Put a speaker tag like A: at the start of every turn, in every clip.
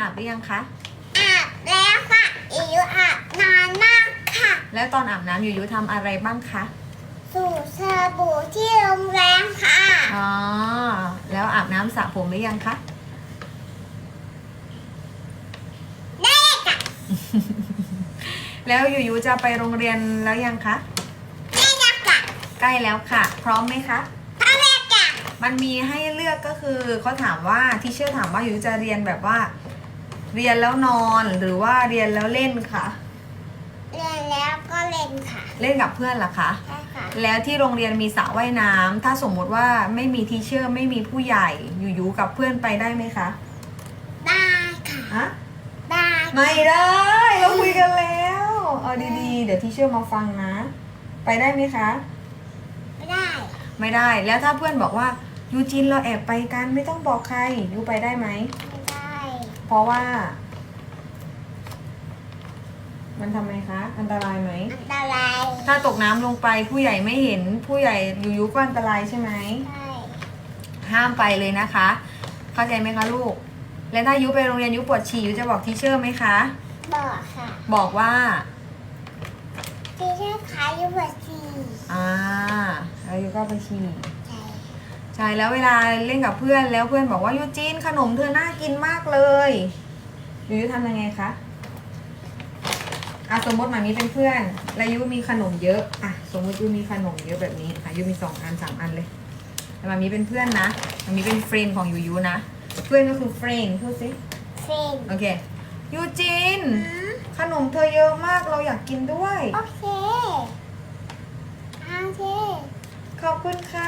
A: อาบหรือยังคะ
B: อาบแล้วค่ะอิ๋วอาบนานมากค่ะ
A: แล้วตอนอาบน้ำยูทำอะไรบ้างคะ
B: สูตรสบู่ที่โรงแรมค่ะ
A: อ๋อแล้วอาบน้ำสระผมหรือยังคะ
B: ได้ค่ะ
A: แล้วยูจะไปโรงเรียนแล้วยังคะ
B: ได้แล้วค่ะ
A: ใกล้แล้วค่ะ พร้อมไหมคะ
B: พ่อแม่ค่ะ
A: มันมีให้เลือกก็คือเขาถามว่าทีเชอร์ถามว่ายูจะเรียนแบบว่า เรียนแล้วนอนหรือว่าเรียนแล้วเล่นคะ
B: เรียนแล้วก็เล่นค่ะ
A: เล่นกับเพื่อนล่ะคะ
B: ใช่ค่ะ
A: แล้วที่โรงเรียนมีสระว่ายน้ำถ้าสมมุติว่าไม่มีทีเชอร์ไม่มีผู้ใหญ่ยูกับเพื่อนไปได้ไหมคะ
B: ได้ค่ะ
A: อะ
B: ได้
A: ไม่ได้เราคุยกันแล้วเอาดีๆเดี๋ยวทีเชอร์มาฟังนะ ไปได้ไหมคะ
B: ไม่ได้
A: ไม่ได้แล้วถ้าเพื่อนบอกว่ายูจินเราแอบไปกันไม่ต้องบอกใครยูไปได้ไหม
B: ไม่ได้
A: เพราะว่า มันทำไมคะ อันตรายไหม
B: อันตราย
A: ถ้าตกน้ำลงไปผู้ใหญ่ไม่เห็นผู้ใหญ่ยูก็อันตรายใช่ไหม
B: ใช่
A: ห้ามไปเลยนะคะ เข้าใจไหมคะลูก แล้วถ้ายูไปโรงเรียนยูปวดฉี่ยูจะบอกทีเชอร์ไหมคะ
B: บอกค่ะ
A: บอกว่า
B: ที่เชื่อขายยูเวอร์ซี
A: แล้วยูก็ไปฉี่
B: ใช่
A: ใช่แล้วเวลาเล่นกับเพื่อนแล้วเพื่อนบอกว่ายูจีนขนมเธอน่ากินมากเลยยูทำยังไงคะสมมติหมามีเป็นเพื่อนแล้วยูมีขนมเยอะสมมติยูมีขนมเยอะแบบนี้ยูมี2 อัน 3 อันเลยแต่หมามีเป็นเพื่อนนะหมามีเป็นเฟรนด์ของยูนะเพื่อนก็คือเฟรนด์พูดสิ
B: เฟรน
A: โอเคยูจีนขนมเธอเยอะมากเราอยากกินด้วย
B: โอเคโอเค
A: ขอบคุณค่ะ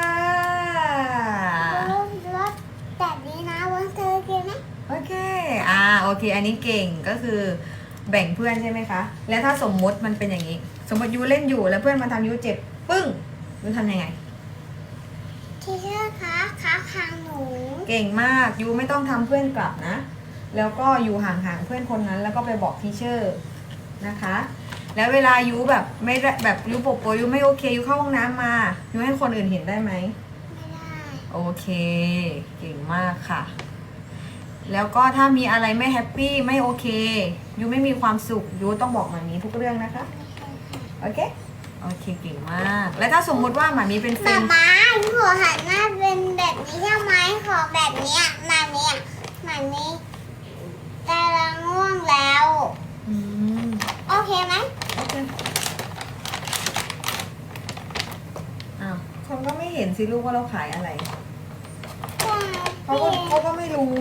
B: รถแบบนี้นะวันเธอกินไหม
A: โอเคโอเค อันนี้เก่งก็คือแบ่งเพื่อนใช่ไหมคะ แล้วถ้าสมมติมันเป็นอย่างนี้ สมมติยูเล่นอยู่แล้วเพื่อนมาทำยูเจ็บ ปึ้งยูทำยังไง
B: ที่เชื่อคะขาขางหนู
A: เก่งมากยูไม่ต้องทำเพื่อนกลับนะ แล้วก็อยู่ห่างๆเพื่อนคนนั้น แล้วก็ไปบอกทีเชอร์นะคะ แล้วเวลายูแบบไม่ได้แบบยูโปยูไม่โอเคยูเข้าห้องน้ำมายูให้คนอื่นเห็นได้ไหม
B: ไม่ได้
A: โอเค เก่งมากค่ะ แล้วก็ถ้ามีอะไรไม่แฮปปี้ไม่โอเคยูไม่มีความสุขยูต้องบอกหมามีทุกเรื่องนะคะ โอเค โอเค เก่งมาก แล้วถ้าสมมุติว่าหมามีเป็นเฟร
B: มาน
A: ด์
B: ม้าหัวหันหน้าเป็นแบบนี้ใช่ไหมขอแบบเนี้ยมาเนี้ยมานี้กำลังง่วงแล้ว
A: อืม
B: โอเคไหม
A: โอเคคนก็ไม่เห็นสิลูกว่าเราขายอะไร เขาก็ไม่รู้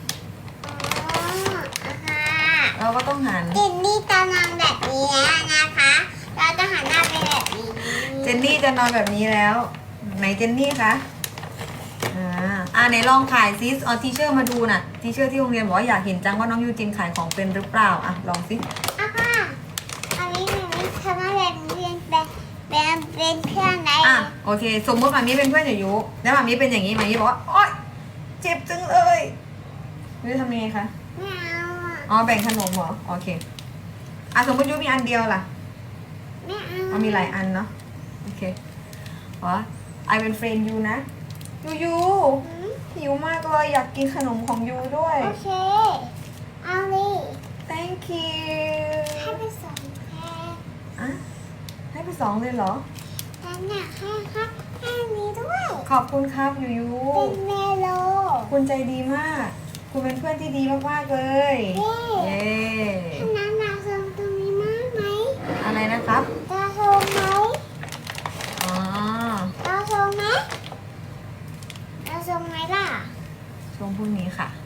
A: เราก็ต้องหัน
B: เจนนี่จะนอนแบบนี้นะคะ เราจะหันหน้าไปแบบนี้
A: เจนนี่จะนอนแบบนี้แล้ว ไหนเจนนี่คะไหนลองขายซิเอาทีเชอร์มาดูน่ะทีเชอร์ที่โรงเรียนบอกว่าอยากเห็นจังว่าน้องยูจินขายของเป็นหรือเปล่าลองสิ
B: ค่ะอันนี้ทำให้แบบนี้เป็นเพื่อนได้
A: โอเค สมมติหมามีเป็นเพื่อนอยู่แล้วหมามีเป็นอย่างนี้หมามีบอกว่าโอ๊ยเจ็บจังเลยยูทำยังไงคะ
B: ไม่เอา
A: แบ่งขนมเหรอโอเคสมมติยูมีอันเดียวล่ะ
B: ไม่เอา
A: มีหลายอันเนาะโอเคไอเป็นเฟรนด์ยูนะยูหิวมากเลยอยากกินขนมของยูด้วย
B: โอเค เอาเลย
A: thank you
B: ให้ไปสองแค่
A: ให้ไป2เลยเหรอ
B: แต่เนี่ยให้นี้ด้วย
A: ขอบคุณครับยู
B: เป็นเมโล
A: คุณใจดีมาก คุณเป็นเพื่อนที่ดีมากๆเลย เย้
B: ท่านนั้นเราส่งตรงนี้มากไหม
A: อะไรนะครับ
B: เราส่งไหม
A: อ๋อ
B: เราส่งไหมเราส่งไหมล่ะ
A: ช่วงพรุ่งนี้ค่ะ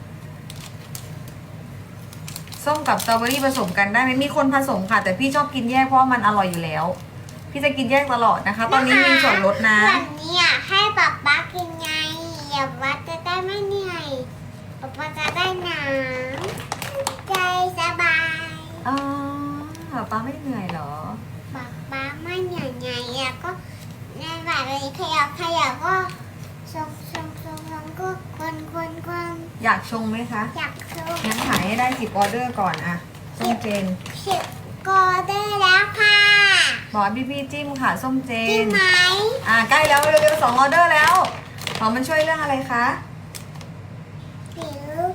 A: ส้มกับสตรอเบอรี่ผสมกันได้ไหมมีคนผสมค่ะ แต่พี่ชอบกินแยกเพราะมันอร่อยอยู่แล้ว พี่จะกินแยกตลอดนะคะ ตอนนี้มีส่วนลดนะ
B: แบบนี้ให้ป๊าป๊ากินไงอย่าว่าจะได้ไม่เหนื่อยป๊าป๊าจะได้หนังใจสบาย
A: ป้าไม่เหนื่อยเหรอ
B: ป๊าไม่เหนื่อยไงก็ในแบบนี้ขยับก็ชงก็คน
A: อยากชงไหมคะ
B: อยากชง
A: งั้นขายให้ได้10 ออเดอร์ก่อนส้มเจน
B: สิบก็ได้แล้วค่ะ
A: บอกพี่จิ้มค่ะส้มเจ
B: จริง
A: น
B: ไหม
A: ใกล้แล้วเร็วๆ2 ออเดอร์แล้วมันช่วยเรื่องอะไรคะ
B: ผิว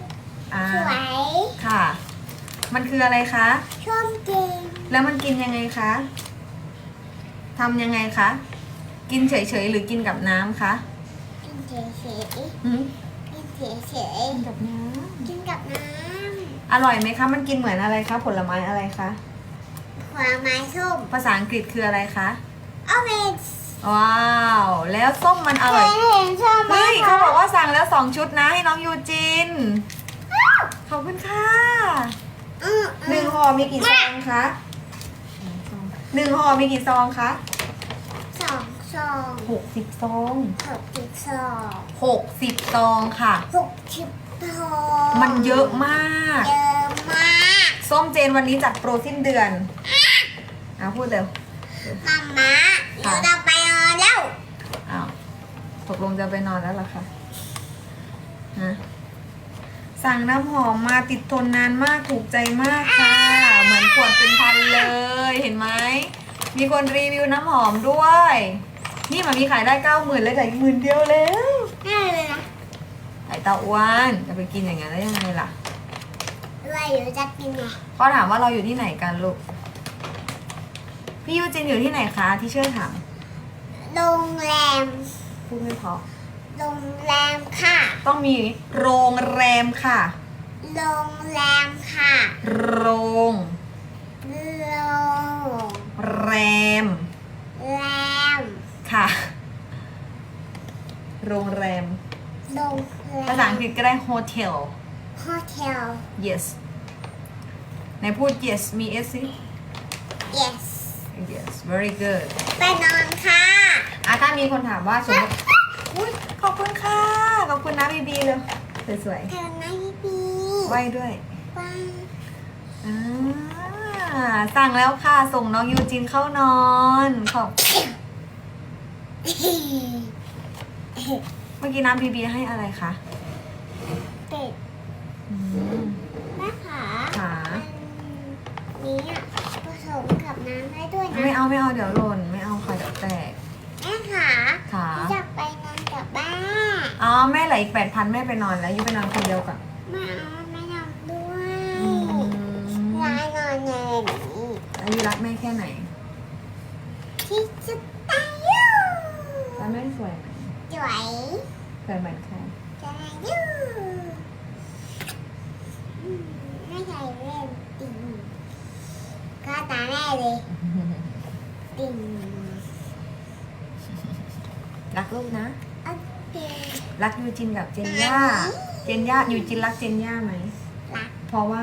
A: อ่า
B: สวย
A: ค่ะ มันคืออะไรคะ
B: ชมจริง
A: แล้วมันกินยังไงคะทำยังไงคะ กินเฉยๆหรือกินกับน้ำคะ
B: กินเฉย
A: หืม
B: ๆกินเฉย
A: กินกับน้
B: ๆกินกับน้
A: ำอร่อยไหมคะ มันกินเหมือนอะไรคะ ผลไม้อะไรคะ
B: ำผลไม้ส้ม
A: ภาษาอังกฤษคืออะไรคะ
B: ออเรนจ์
A: ว้าว แล้วส้มมันอร่อย
B: เห็นชอบไหม
A: เฮ้ย
B: คะ
A: เขาบอกว่าสั่งแล้ว2 ชุดนะให้น้องยูจิน ขอบคุณค่ะ หนึ่งห่อมีกี่ซองคะหนึ่งห่อมีกี่ซองคะ
B: สองซอง
A: 60 ซอง
B: 62
A: 60 ซองค่ะ
B: 60ซอง
A: มันเยอะมาก
B: เยอะมาก
A: ส้มเจนวันนี้จัดโปรสิ้นเดือนพูดเร็ว
B: มาม่าเดี๋ยวเราไปนอนแล้ว
A: อ้าวตกลงจะไปนอนแล้วเหรอคะฮะสั่งน้ำหอมมาติดทนนานมากถูกใจมากค่ะ เหมือนขวดเป็นพันเลยเห็นไหม มีคนรีวิวน้ำหอมด้วย นี่มันมีขายได้ 90,000เลยแต่อีก10,000เดียวแล้ว
B: น่าเลยนะ
A: ไอเตาอ้วนจะไปกินอย่างนั้นได้ยังไงล่ะ
B: ว่าอยู่จะกินไง
A: เขาถามว่าเราอยู่ที่ไหนกันลูก พี่ยูจินอยู่ที่ไหนคะที่เชื่อถาม
B: โรงแรม
A: พูดไม่เพอ
B: โรงแรมค่ะ
A: ต้องมีโรงแรมค่ะ
B: โรงแรมค่ะ
A: โรง
B: โรง
A: แรม
B: แรม
A: ค่ะ โรงแรม
B: โรงแรม
A: ภาษาอังกฤษก็ได้ hotel
B: โฮเทล
A: yes ไหนพูด yes มี s สิ
B: yes
A: yes very good
B: ไปนอนค่ะ
A: ถ้ามีคนถามว่าสมมติอุ๊ยขอบคุณค่ะ ขอบคุณนะบีบีเลยสวย
B: เธอนะพี่ปี
A: ๆไหว้ด้วย
B: ว้า
A: สั่งแล้วค่ะ ส่งน้องยูจินเข้านอนขอบเมื่อกี้น้ำบีบีให้อะไรคะ
B: เป็ด
A: อืม
B: แม่ขา
A: ขา
B: อันนี้อ่ะผสมกับน้ำได้ด้วยนะ
A: ไม่เอาเดี๋ยวหล่นไม่เอาค่ะเดี๋ยวแตก
B: แม่ขา
A: ขา
B: อยากไปนอนกับบ้าน
A: อ๋อแม่เหลืออีก 8,000 แม่ไปนอนแล้วยูไปนอนคนเดียวก่อน
B: ไม่เอาไม่นอนด้วย
A: อืม
B: ยายนอนในนี้
A: แล้วยูรักแม่แค่ไหน
B: ที่สุดอายุ
A: แล้วแม่สวยไหม
B: สวย
A: สวยเหมือนใคร
B: สวยอายุไม่ใช่เล่นติ่งก็ตาแม่เลยติ่ง
A: รักลูกนะ
B: โอเค
A: รักยูจินกับเจนย่า เจนย่ายูจินรักเจนย่าไหม
B: รัก
A: เพราะว่า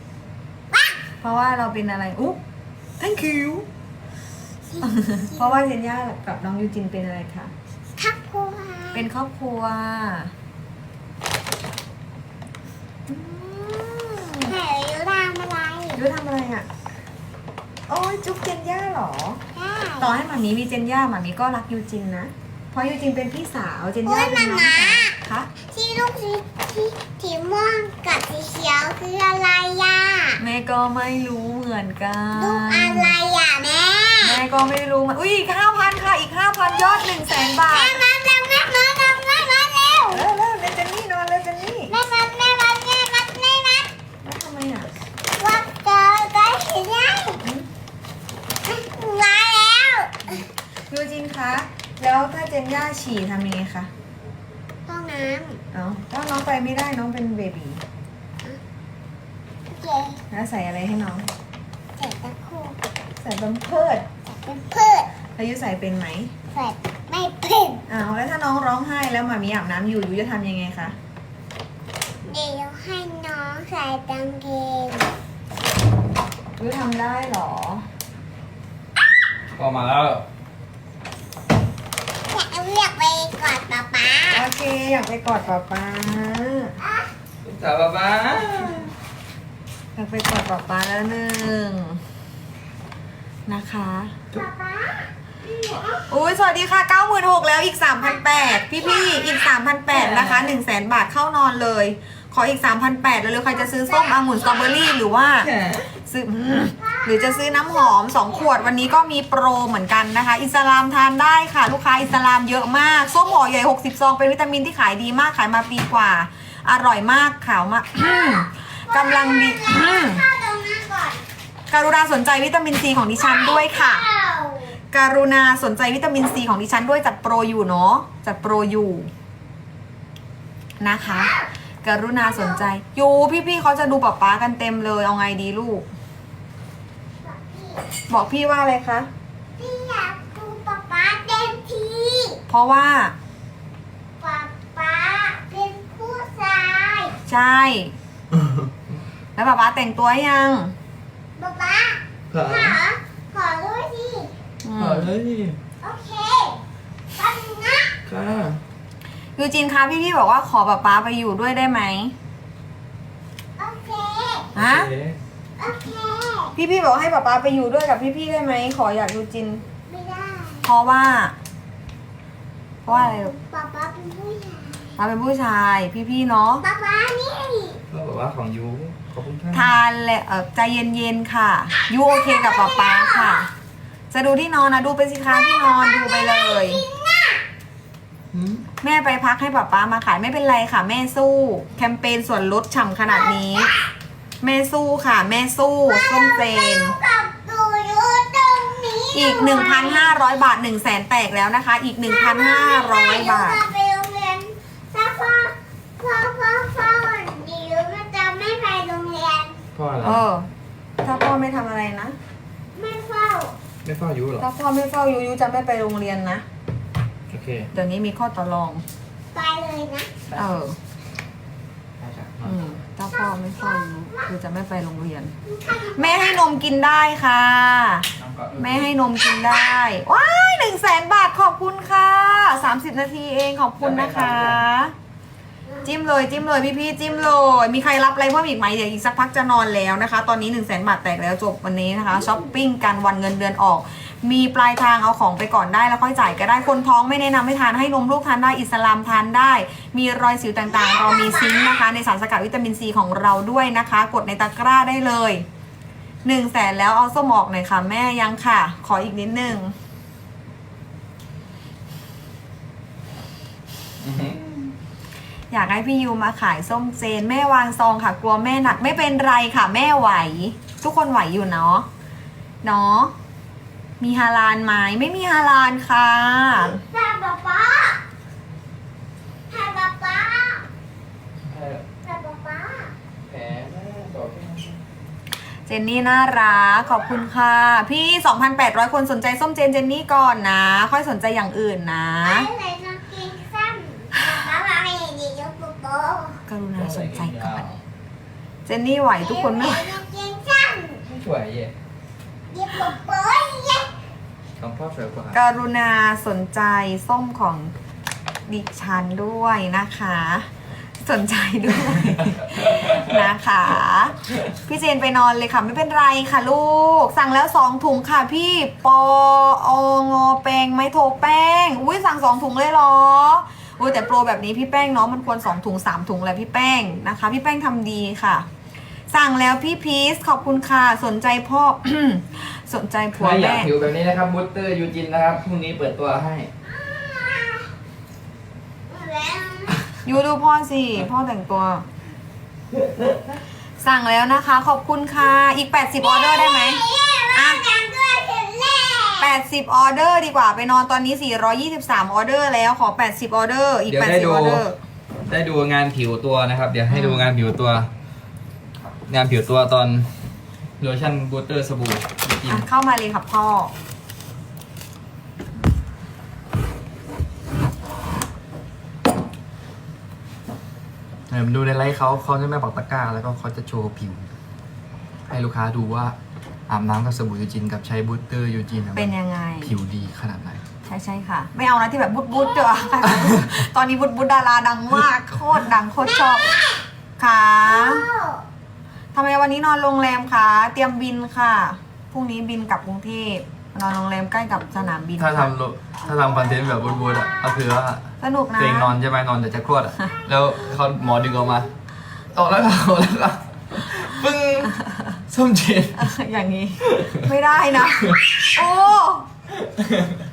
A: เราเป็นอะไรอุ๊ thank you เพราะว่าเจนย่ากับน้องยูจินเป็นอะไรคะ
B: ทักครัว
A: เป็นครอบครัว
B: ไหนยูทำอะไร
A: ยูทำอะไรอ่ะ โอ้ยจุ๊บเจนย่าเหรอ
B: ได้
A: ต่อให้หมามีมีเจนย่าหมามีก็รักยูจินนะ เพราะยูจินเป็นพี่สาวเจน
B: โอ้
A: ย่าย เป็นน้อง
B: มา
A: สาว
B: ม่า
A: คะ
B: ที่ลูกสีม่วงกับสีเขียวคืออะไรย่า
A: แม่ก็ไม่รู้เหมือนกัน
B: ลูกอะไรอ่ะแม่
A: แม่ก็ไม่รู้มันอุ้ยอีก 5,000 ค่ะ อีก 5,000 ยอด 100,000 บาท
B: แม่มาเร็วเร็วเร็วเร็วเร็วเร็ว
A: เร็วเร็วเจนนี่นอนเร็วเจนนี่
B: แม่มาแม่มาแม่มาแม่มา
A: แล้วทำไมอ่ะ
B: ว่าเจอได้หรือยังมาแล้ว
A: ยูจินคะ แล้วถ้าเจนย่าฉี่ทำยังไงคะ
B: ห้องน้
A: เอาถ้าน้องไปไม่ได้น้องเป็นเบบี
B: ำโอเค
A: แล้วใส่อะไรให้น้อง
B: เสร็จตะคู่
A: ใส่บัมเพิร์ด
B: เป็นพืช
A: แล้วยูใส่เป็นไหม
B: เสร็จไม่เป็น
A: อ้าวแล้วถ้าน้องร้องไห้แล้วหมามีอาบน้ำอยู่ยูจะทำยังไงคะ
B: เดี๋ยวให้น้องใส่กางเกง
A: ยูทำได้เหรอ
C: ก็มาแล้ว
B: อยากไปกอดป๊าป๊า
A: โอเค อยากไปกอดป๊าป๊า
C: ลูกสาวป๊าป๊า
A: อยากไปกอดป๊าป๊าแล้วหนึ่งนะคะ
B: ป๊าป๊า
A: อุ้ยสวัสดีค่ะ 96,000แล้วอีก 3,800 พี่ๆอีก 3,800 นะคะ 100,000 บาทเข้านอนเลย ขออีก 3,800แล้วใครจะซื้อส้มองุ่นสตรอเบอรี่หรือว่า ซื้อหรือจะซื้อน้ำหอม 2 ขวดวันนี้ก็มีโปรเหมือนกันนะคะ อิสลามทานได้ค่ะ ลูกค้าอิสลามเยอะมาก ส้มห่อใหญ่ 60 ซอง เป็นวิตามินที่ขายดีมากขายมาปีกว่าอร่อยมากขาวมาก กำลังดี
B: ข้าวตรงนั้นก่อน
A: กรุณาสนใจวิตามินซีของดิฉันด้วยค่ะ กรุณาสนใจวิตามินซีของดิฉันด้วยจัดโปรอยู่เนาะจัดโปรอยู่นะคะ กรุณาสนใจอยู่พี่ๆเขาจะดูป๊าป๊ากันเต็มเลยเอาไงดีลูก บอกพี่ว่าอะไรคะ
B: พี่อยากดูป๊าป๊าเต็มที
A: เพราะว่า
B: ป๊าป๊าเป็นผู้ชาย
A: ใช่ แล้วป๊าป๊าแต่งตัวยัง
B: ป๊าป๊าขอด้วยสิ
A: อืม
C: เฮ้ย
B: โอเคแป๊บนึงนะ
C: ค่ะ
A: ยูจินคะพี่ๆบอกว่าขอป๊าป๊าไปอยู่ด้วยได้ไหม
B: โอเค
A: ฮะ
B: โอเค
A: พี่ๆบอกให้ป๊าป๊าไปอยู่ด้วยกับพี่ๆได้ไหมขออยากยูจิน
B: ไม่ได้
A: เพราะว่าอะไรลูก
B: ป๊าป๊าเป็นผู้ชาย
A: ป๊าเป็นผู้ชายพี่ๆเนาะ
B: ป๊าป๊านี่
C: ก็บอกว่าของยูขอบคุณค่ะ
A: ทานเลยใจเย็นๆค่ะยูโอเคกับป๊าป๊าค่ะ จะดูที่นอนนะดูไปสิคะที่นอนดูไปเลย
C: หืม
A: แม่ไปพักให้ป๊าป๊ามาขายไม่เป็นไรค่ะ แม่สู้แคมเปญส่วนลดฉ่ำขนาดนี้ แม่สู้ค่ะ แม่สู้ส้มเจน
B: กับตูอยู่ตรงนี้
A: อีก 1,500 บาท 100,000 แตกแล้วนะคะ อีก 1,500 บาท
B: ไปโรงเรียนถ้าพ่อดิวมันจะไม่ไปโรงเรียน
C: พ่ออะไร
A: เออ ถ้าพ่อไม่ทำอะไรนะ
B: ไม่เฝ้า
C: ไม่พ่อยูเหรอ
A: ถ้าพ่อไม่เฝ้ายูจะไม่ไปโรงเรียนนะ
C: โอเค
A: เดี๋ยวนี้มีข้อต่อรอง
B: ไปเลยนะ
A: เออ
C: ได้จ้ะ
A: ถ้าพ่อไม่เฝ้ายูจะไม่ไปโรงเรียน แม่ให้นมกินได้ค่ะ
C: น้ำก่อน
A: แม่ให้นมกินได้ ว้าย100,000 บาทขอบคุณค่ะ 30 นาทีเองขอบคุณนะคะ จิ้มเลยจิ้มเลยพี่ๆจิ้มเลย มีใครรับอะไรเพิ่มอีกไหมเดี๋ยวอีกสักพักจะนอนแล้วนะคะ ตอนนี้100,000 บาทแตกแล้วจบวันนี้นะคะช้อปปิ้งกันวันเงินเดือนออก มีปลายทางเอาของไปก่อนได้แล้วค่อยจ่ายก็ได้คนท้องไม่แนะนำให้ทานให้นมลูกทานได้อิสลามทานได้ มีรอยสิวต่างๆ เรามีซิงค์นะคะ ในสารสกัดวิตามินซีของเราด้วยนะคะ กดในตะกร้าได้เลย100,000แล้วเอาส้มออกหน่อยค่ะแม่ยังค่ะ ขออีกนิดนึง
C: อือหือ
A: อยากให้พี่ยูมาขายส้มเจนแม่วางซองค่ะ กลัวแม่หนักไม่เป็นไรค่ะ แม่ไหว ทุกคนไหวอยู่เนาะเนาะมีฮาลาลไหมไม่มีฮาลาลค่ะ
B: ถ้าป๊าป๊าถ้าป๊าป๊า
C: ใช่เหรอ
B: ถ้าป๊าป๊า
C: แผลแม่บอกแค่นั้น
A: เจนนี่น่ารักขอบคุณค่ะ พี่ 2,800 คนสนใจส้มเจนเจนนี่ก่อนนะ ค่อยสนใจอย่างอื่นนะ
B: ไอ้ใส่กางเกงสั้นป๊าป๊าไม่ดียกโป๊ะ
A: กรุณาสนใจก่อน เจนนี่ไหวทุกคนไหม
B: ใส่กางเกงสั้น
C: ไม่สวยเย่
B: ยกโป๊ะเย้
C: ของพ่อสวยกว่า
A: กรุณาสนใจส้มของดิฉันด้วยนะคะ สนใจด้วย นะคะ พี่เจนไปนอนเลยค่ะไม่เป็นไรค่ะลูก สั่งแล้ว2 ถุงค่ะพี่ปองอแป้งไม่โทรแป้งอุ้ยสั่ง2 ถุงเลยเหรออุ้ยแต่โปรแบบนี้พี่แป้งเนาะมันควร2 ถุง 3 ถุงแหละพี่แป้งนะคะ พี่แป้งทำดีค่ะ สั่งแล้วพี่พีชขอบคุณค่ะสนใจพ่อ สนใจผัว
C: ถ้าอยาก
A: แม่
C: ผิวแบบนี้นะครับบูสเตอร์ยูจินนะครับพรุ่งนี้เปิดตัวให้
B: แล้ว
A: ยูดูพ่อสิพ่อแต่งตัว สั่งแล้วนะคะ ขอบคุณค่ะอีก80 ออเดอร์ได้ไหม
B: อ่ะยังด้วยถึงแล้ว
A: 80 ออเดอร์ดีกว่าไปนอนตอนนี้ 423 ออเดอร์แล้วขอ 80 ออเดอร์อีก
C: เดี๋ยวได้
A: 80
C: ดู
A: ออเดอร์
C: ได้ดูงานผิวตัวนะครับ เดี๋ยวให้ดูงานผิวตัว งานผิวตัวตอนโลชั่นบูสเตอร์สบู่ยูจิน
A: อ่ะเข้ามาเลยค่ะพ่อ
C: ดูในไลฟ์เขาจะไม่ปักตะกร้าแล้วก็เขาจะโชว์ผิว ให้ลูกค้าดูว่าอาบน้ำกับสบู่ยูจินกับใช้บูสเตอร์ยูจิน
A: เป็นยังไง
C: ผิวดีขนาดไหน
A: ใช่ค่ะ ไม่เอานะที่แบบบุดเจอ ตอนนี้บุดดาราดังมากโคตรดังโคตรชอบค่ะทำไมวันนี้นอนโรงแรมคะเตรียมบินค่ะพรุ่งนี้บินกลับกรุงเทพนอนโรงแรมใกล้กับสนามบิน
C: ถ้า
A: ค่ะ
C: ทำคอนเทนต์แบบบูดๆอ่ะก็คือว่า
A: สนุกนะ
C: ตัวเองนอนใช่ไหมนอนแต่จะคลอดอ่ะ แล้วเขาหมอดึงออกมาออกแล้วค่ะออกแล้วค่ะปึ้งส้มเจน
A: อย่างนี้ ไม่ได้นะ โอ้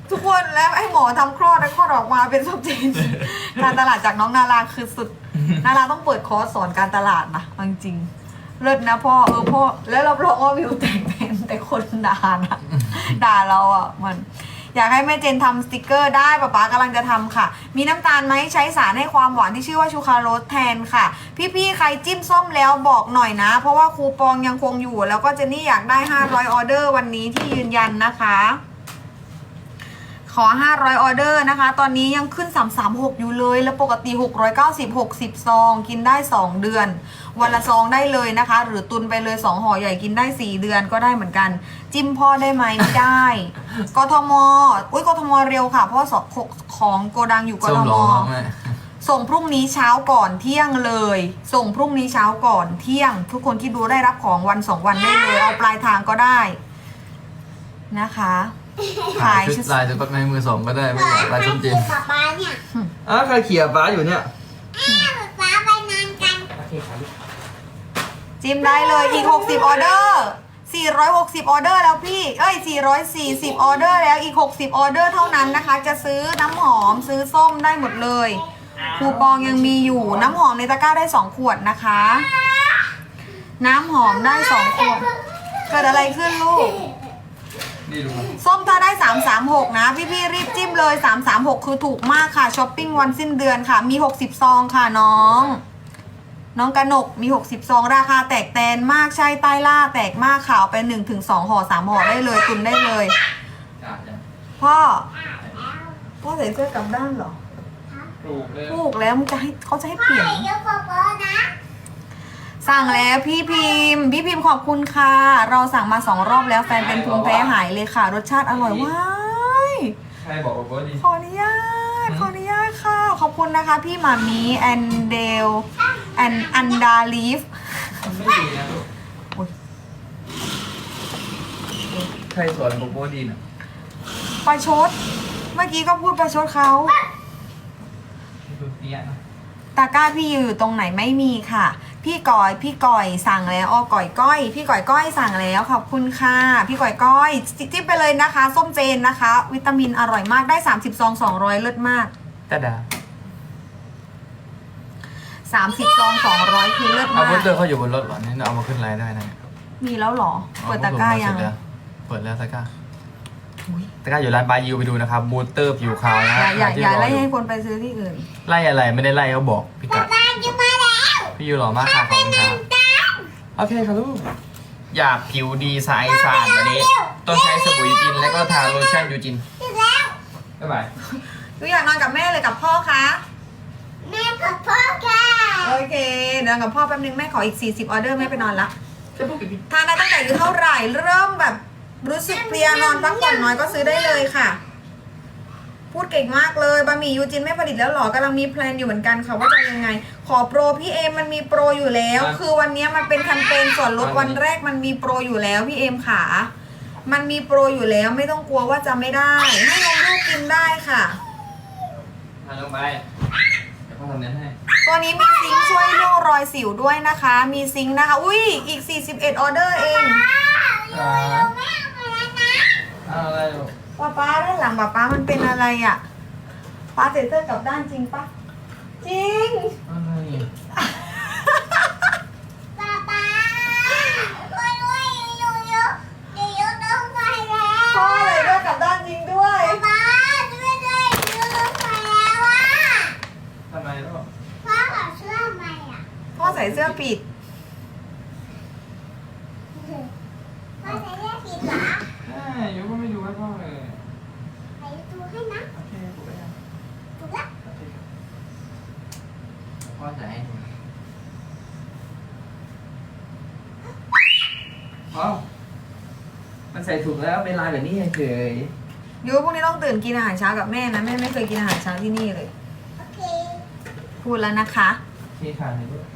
A: ทุกคนแล้วให้หมอทำคลอดแล้วคลอดออกมาเป็นศพเจน การตลาดจากน้องนาราคือสุด นาราต้องเปิดคอร์สสอนการตลาดนะเอาจริงๆเลิศนะพ่อพ่อแล้วรับรองว่าวิวแต่งเป็นแต่คนด่านะ ด่าเราอ่ะมัน อยากให้แม่เจนทำสติกเกอร์ได้ป๊าป๊ากำลังจะทำค่ะ มีน้ำตาลไหมใช้สารให้ความหวานที่ชื่อว่าชูคาโรสแทนค่ะ พี่ๆใครจิ้มส้มแล้วบอกหน่อยนะ เพราะว่าคูปองยังคงอยู่ แล้วก็เจนนี่อยากได้500ออเดอร์วันนี้ที่ยืนยันนะคะ ขอ500ออเดอร์นะคะ ตอนนี้ยังขึ้น336อยู่เลย แล้วปกติ690 60ซองกินได้2เดือน วันละซองได้เลยนะคะ หรือตุนไปเลย2ห่อใหญ่กินได้4เดือนก็ได้เหมือนกัน จิ้มพ่อได้ไหมไม่ได้ กทมอุ้ยกทมเร็วค่ะ เพราะว่าของโกดังอยู่ก
C: ส้
A: ท
C: ม
A: ม
C: ร้องแม่
A: ส่งพรุ่งนี้เช้าก่อนเที่ยงเลย ส่งพรุ่งนี้เช้าก่อนเที่ยง ทุกคนที่ดูได้รับของวัน2วันได้เลย เอาปลายทางก็ได้นะคะขาย
C: ชุดลายชุดปักในมือสองก็ได้ไม่อยากลายส้มจีน
B: ป๊าป๊าเนี่ย
C: ใครเขี่ยฟ้าอยู่เนี่ย
B: ป๊าไปนานกัน
C: โอเคครับ
A: จิ้มได้เลยอีก60ออเดอร์460ออเดอร์แล้วพี่440ออเดอร์แล้วอีก60ออเดอร์เท่านั้นนะคะ จะซื้อน้ำหอมซื้อส้มได้หมดเลยคูปองยังมีอยู่น้ำหอมในตะกร้าได้2ขวดนะคะ น้ำหอมได้2ขวดเกิดอะไรขึ้นลูก
C: นี่ดูครับ
A: ส้มถ้าได้336นะพี่ๆรีบจิ้มเลย336คือถูกมากค่ะช้อปปิ้งวันสิ้นเดือนค่ะมี60ซองค่ะน้องกนกมี60ซองราคาแตกแตนมากใช่ใต้ล่าแตกมากค่ะเอาไป1-2ห่อ3ห่อได้เลยตุนได้เลยพ่อใส่เสื้อกลับด้านเหรอ
C: ถูกเลย
A: ถูกแล้วมันจะให้เขาจะให้เปลี่ยน
B: เดี๋ยวป๊าป๊านะ
A: สั่งแล้วพี่พิมพ์ขอบคุณค่ะเราสั่งมา2รอบแล้วแฟนเป็นภูมิแพ้หายเลยค่ะ รสชาติอร่อยว้าย
C: ใครบอกว่าดี
A: ขออนุญาตค่ะ ขอบคุณนะคะ พี่หมามีแอนเดลอันดาลีฟ
C: มันไม่ดีนะลูก
A: อุ๊ย
C: ใครสอนโกโก้ดีน่ะ
A: ประชด เมื่อกี้ก็พูดประชดเขา
C: ดูเนี้ยนะ
A: ตะกร้าพี่อยู่ตรงไหนไม่มีค่ะ พี่ก่อยสั่งแล้วก่อยก้อยพี่ก่อยก้อยสั่งแล้วขอบคุณค่ะพี่ก่อยก้อยจิ้มไปเลยนะคะ ส้มเจนนะคะ วิตามินอร่อยมากได้30ซอง200เลิศมาก
C: ตาดา
A: 30ซอง200คือเลิศ
C: เอา
A: มา
C: พุต
A: ก
C: เตอร์เขาอยู่บนรถเหรอนี่เอามาขึ้นไลน์ได้นะเนี่ย
A: มีแล้วเหรอเปิดตะกร้ายัง
C: เปิดแล้วตะกร้า
A: อุ๊ย
C: ตะกร้าอยู่ร้านบายยูไปดูนะครับบูสเตอร์ผิวขาวนะ
A: อย่าไล่ให้คนไปซื้อที่อื่น
C: ไล่อะไรไม่ได้ไล่เขาบอกพี่กัด
B: ตาจะมาแล้ว
C: พี่ยูหล่อมากค่ะขอบคุณครับโอเคครับลูกอยากผิวดีสายสะอาดแบบนี้ต้องใช้สบู่ยูจินแล้วก็ทาโลชั่นยูจิน
B: ถึงแล้ว
C: บ๊ายบาย
A: หนูอยากนอนกับแม่เลยกับพ่อคะ
B: แม่กับพ่อค่ะ
A: โอเคนอนกับพ่อแป๊บนึงแม่ขออีก40ออเดอร์แม่ไปนอนละทานได้ตั้งแต่อายุเท่าไหร่เริ่มแบบรู้สึกเพลียนอนพักผ่อนน้อยก็ซื้อได้เลยค่ะ พูดเก่งมากเลยบะหมี่ยูจินไม่ผลิตแล้วหรอกำลังมีแพลนอยู่เหมือนกันค่ะว่าจะยังไง ขอโปรพี่เอมมันมีโปรอยู่แล้ว คือวันนี้มันเป็นแคมเปญส่วนลดวันแรกมันมีโปรอยู่แล้วพี่เอมขามันมีโปรอยู่แล้วไม่ต้องกลัวว่าจะไม่ได้ให้นมลูกกินได้ค่ะ
C: ทานลงไปเดี๋ยวพ่อทำเน้นให้
A: ตัวนี้มีซิงค์ช่วยเรื่องรอยสิวด้วยนะคะ มีซิงค์นะคะ อุ้ยอีก41ออเดอร์เอง
B: แม่เอาไปแล้วนะ
C: อะไรลูก
A: ป้าด้านหลังป้ามันเป็นอะไรอ่ะป้าเซ็นเซอร์กลับด้านจริงปะจริง
C: อะไร
B: ป๊าป๊าช่วยด้วยอยู่ต้องไปแล้ว
A: พ่อเลยด้วยกลับด้านจริงด้วย
B: ป๊าช่วยด้วยอยู่ต้องไปแล้วอ่ะ
C: ทำไมลูก
B: พ่อขอเชื่อไหมอ่ะ
A: พ่อใส่เสื้อปิด
B: พ่อใส่เสื้อผิดเหรอ
C: ใช่ยูก็ไม่ดูให้พ่อเลย
B: ใส่ดูให้นะ
C: โอเคถูกแล้ว
B: ถูกแล้ว
C: โอเคพ่อจะให้ดูพ่อมันใส่ถูกแล้วเป็นลายแบบนี้เฉย
A: ยูพรุ่งนี้ต้องตื่นกินอาหารเช้ากับแม่นะแม่ไม่เคยกินอาหารเช้าที่นี่เลย
B: โอเค
A: พูดแล้วนะคะ
C: ที่ขาดเลยลูก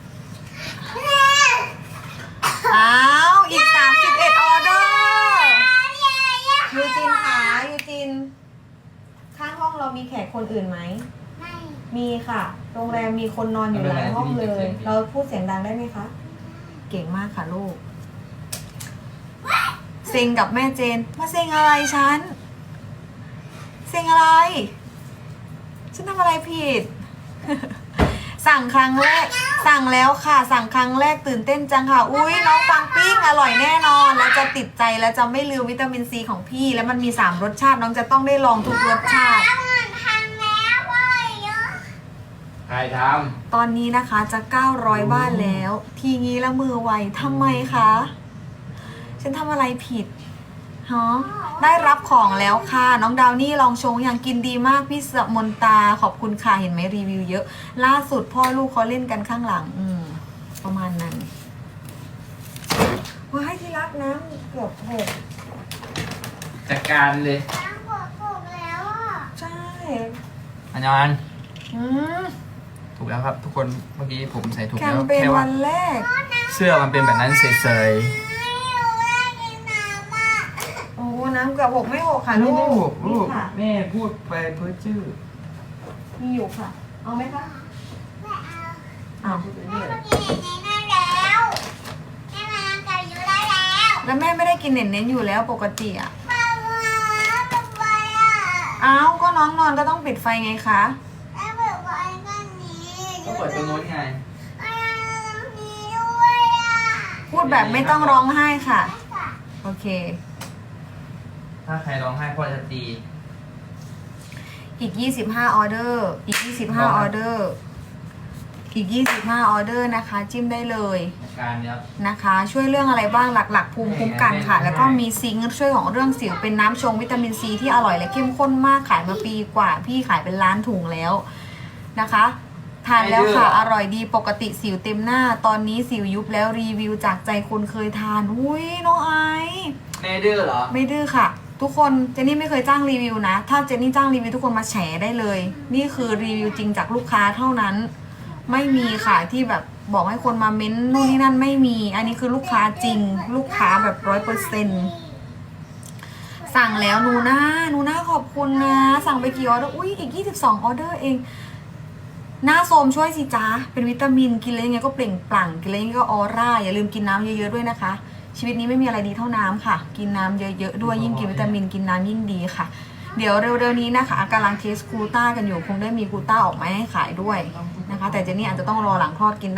A: อ้าวอีก31ออเดอร์ยูจินขายูจินข้างห้องเรามีแขกคนอื่นไหม
B: ไม่
A: มีค่ะ โรงแรมมีคนนอนอยู่หลายห้องเลย เราพูดเสียงดังได้ไหมคะ เก่งมากค่ะลูก เซ็งกับแม่เจน มาเซ็งอะไรฉันสียงอะไร ฉันทำอะไรผิด สั่งครั้งแรก สั่งแล้วค่ะ สั่งครั้งแรกตื่นเต้นจังค่ะ อุ้ยน้องปังปิ้งอร่อยแน่นอน แล้วจะติดใจแล้วจะไม่ลืมวิตามินซีของพี่ แล้วมันมี3รสชาติน้องจะต้องได้ลองทุกรสชาติ
B: แล้วมันพังแล้วเว้ยเยอะ
C: ใครท
A: ตอนนี้นะคะจะ900บ้านแล้ว ทีงี้ละมือไวทำไมคะ ฉันทำอะไรผิดฮะได้รับของแล้วค่ะ น้องดาวนี่ลองชงอย่างกินดีมากพี่สมนตาขอบคุณค่ะเห็นไหมรีวิวเยอะ ล่าสุดพ่อลูกเขาเล่นกันข้างหลัง ประมาณนั้นว้ายที่รักน้ำเกือบหก
C: ำจัดการเลย
B: น้ำปวดแล้วอ่ะ
A: ใช่
C: อันยอน
A: อืม
C: ถูกแล้วครับ ทุกคนเมื่อกี้ผมใส่ถูก
A: แค
C: แล้
A: ม
C: ว
A: เปญ
C: แค่
A: วั
C: ว่าน
A: แรก
C: เสื้อมันเป็นแบบนั้นเฉย
B: ไม่รู้ว่ากินน้ำอ่ะ
A: โอ้น้ำเกือบหกไม่หกค่ะ
C: ๆ
A: ลู
C: นี่
A: ก
C: ลูก
A: นี่ค่ะ
C: แม่พูดไปเพ้อจื้อ
A: มีอยู่ค่ะ เอาไหมคะ
B: ไม่เอา
A: อ้าว
B: แม่มากินอย่างนี้ได้แล้วแม่มากับยูได้แล้ว
A: แล้วแม่ไม่ได้กินเน้นๆอยู่แล้วปกติอ่ะ
B: ป้ามาทำไมอ่ะ
A: อ้าวก็น้องนอนก็ต้องปิดไฟไงคะ
B: แม่เปิดไว้กันนี้
C: ก็เปิดตรงโน้นไง
B: มีด้วยอ่ะ
A: พูดแบบไม่ต้องร้องไห้ค่ะ โอเค
C: ถ้าใครร้องไห้พ่อจะตี
A: อีก25ออเดอร์ อีก25ออเดอร์ อีก25ออเดอร์นะคะ จิ้มได้เลย
C: จัดการเนี้ย
A: นะคะ ช่วยเรื่องอะไรบ้างหลักๆ ภูมิคุ้มกันค่ะ แล้วก็มีซิงค์ช่วยของเรื่องสิวเป็นน้ำชงวิตามินซีที่อร่อยและเข้มข้นมากขายมาปีกว่า พี่ขายเป็นล้านถุงแล้วนะคะ ทานแล้วค่ะ อร่อยดีปกติสิวเต็มหน้า ตอนนี้สิวยุบแล้วรีวิวจากใจคนเคยทาน อุ้ยน้องไอซ์
C: แม่ดื้อเหรอ
A: ไม่ดื้อค่ะ ทุกคนเจนนี่ไม่เคยจ้างรีวิวนะ ถ้าเจนนี่จ้างรีวิวทุกคนมาแฉได้เลย นี่คือรีวิวจริงจากลูกค้าเท่านั้น ไม่มีค่ะที่แบบบอกให้คนมาเม้นนู่นนี่นั่นไม่มี อันนี้คือลูกค้าจริง ลูกค้าแบบ100%สั่งแล้วนูน่าขอบคุณนะ สั่งไปกี่ออเดอร์อุ้ยอีก22ออเดอร์เอง หน้าโทรมช่วยสิจ้าเป็นวิตามินกินแล้วยังไงก็เปล่งปลั่งกินแล้วยังไงก็ออร่าอย่าลืมกินน้ำเยอะๆด้วยนะคะ ชีวิตนี้ไม่มีอะไรดีเท่าน้ำค่ะ กินน้ำเยอะๆด้วยยิ่งกินวิตามินกินน้ำยิ่งดีค่ะ เดี๋ยวเร็วๆนี้นะคะกำลังเทสกลูต้ากันอยู่คงได้มีกลูต้าออกมาให้ขายด้วยนะคะ แต่เจนนี่อาจจะต้องรอหลังคลอดกิน